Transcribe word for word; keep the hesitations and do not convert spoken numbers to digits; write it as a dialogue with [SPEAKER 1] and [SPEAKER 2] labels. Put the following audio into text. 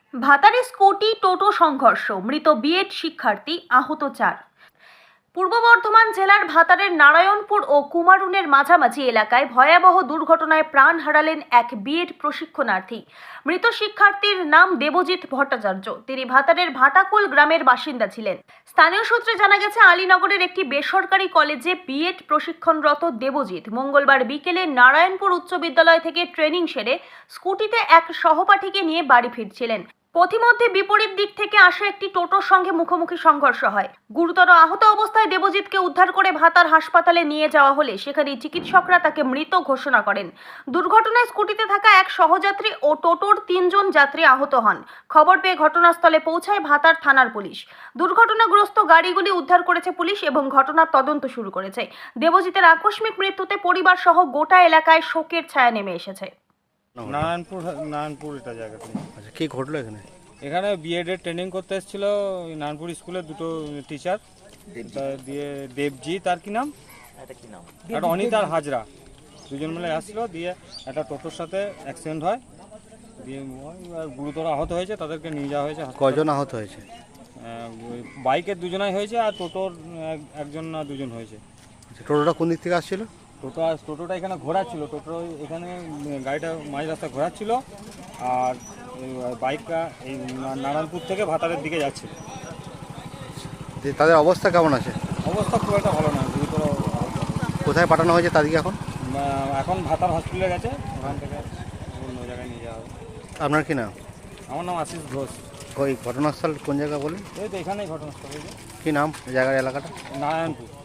[SPEAKER 1] ভাতারে scooty টোটো সংঘর্ষ, মৃত B Ed শিক্ষার্থী, আহত চার। পূর্ব বর্ধমান জেলার ভাতারের নারায়ণপুর ও কুমারুনের মাঝামাঝি এলাকায় ভয়াবহ দুর্ঘটনায় প্রাণ হারালেন এক বিএড প্রশিক্ষণার্থী। মৃত শিক্ষার্থীর নাম দেবজিৎ ভট্টাচার্য। তিনি ভাতারের ভাটাকুল গ্রামের বাসিন্দা ছিলেন। স্থানীয় সূত্রে জানা গেছে, আলীনগরের একটি বেসরকারি কলেজে বিএড প্রশিক্ষণরত দেবজিৎ মঙ্গলবার বিকেলে নারায়ণপুর উচ্চ বিদ্যালয় থেকে ট্রেনিং সেরে স্কুটিতে এক সহপাঠীকে নিয়ে বাড়ি ফিরছিলেন। পথিমধ্যে বিপরীত দিক থেকে আসা একটি টোটোর সঙ্গে মুখোমুখি সংঘর্ষ হয়। গুরুতর আহত অবস্থায় দেবজিৎকে উদ্ধার করে ভাতার হাসপাতালে নিয়ে যাওয়া হলে সেখানে চিকিৎসকরা তাকে মৃত ঘোষণা করেন। দুর্ঘটনায় স্কুটিতে থাকা এক সহযাত্রী ও টোটোর তিনজন যাত্রী আহত হন। খবর পেয়ে ঘটনাস্থলে পৌঁছায় ভাতার থানার পুলিশ। দুর্ঘটনাগ্রস্ত গাড়িগুলি উদ্ধার করেছে পুলিশ এবং ঘটনার তদন্ত শুরু করেছে। দেবজিতের আকস্মিক মৃত্যুতে পরিবার সহ গোটা এলাকায় শোকের ছায়া নেমে এসেছে।
[SPEAKER 2] নারায়ণপুর নারায়ণপুর এটা জায়গাটা।
[SPEAKER 3] আচ্ছা, কি ঘটলো এখানে?
[SPEAKER 2] এখানে বিএড এর ট্রেনিং করতে এসেছিল নারায়ণপুর স্কুলের দুটো টিচার, দিয়ে দেবজিৎ আর কি নাম, একটা অনিত আর হাজরা, দুজন মিলে আসছিল। দিয়ে একটা টোটোর সাথে অ্যাক্সিডেন্ট হয়, দিয়ে গুরুতর আহত হয়েছে, তাদেরকে নিয়ে যাওয়া হয়েছে।
[SPEAKER 3] কয়জন আহত হয়েছে?
[SPEAKER 2] বাইকের দুজনাই হয়েছে আর টোটোর একজন না দুজন হয়েছে।
[SPEAKER 3] টোটোটা কোন দিক থেকে আসছিল?
[SPEAKER 2] টোটো টোটোটা এখানে ঘোরাচ্ছিল, টোটো এখানে গাড়িটা মাঝ রাস্তায় ঘোরাচ্ছিল, আর বাইকটা এই নারায়ণপুর থেকে ভাতারের দিকে যাচ্ছে।
[SPEAKER 3] যে তাদের অবস্থা কেমন আছে?
[SPEAKER 2] অবস্থা খুব একটা ভালো না, গুরুতর।
[SPEAKER 3] কোথায় পাঠানো হয়েছে তাদেরকে এখন?
[SPEAKER 2] এখন ভাতার হসপিটালে গেছে, ওখান থেকে অন্য জায়গায় নিয়ে যাওয়া হবে।
[SPEAKER 3] আপনার কি নাম?
[SPEAKER 2] আমার নাম আশিস ঘোষ।
[SPEAKER 3] ওই ঘটনাস্থল কোন জায়গা বলেন?
[SPEAKER 2] এই তো এখানেই ঘটনাস্থল হয়েছে।
[SPEAKER 3] কি নাম জায়গার, এলাকাটা?
[SPEAKER 2] নারায়ণপুর।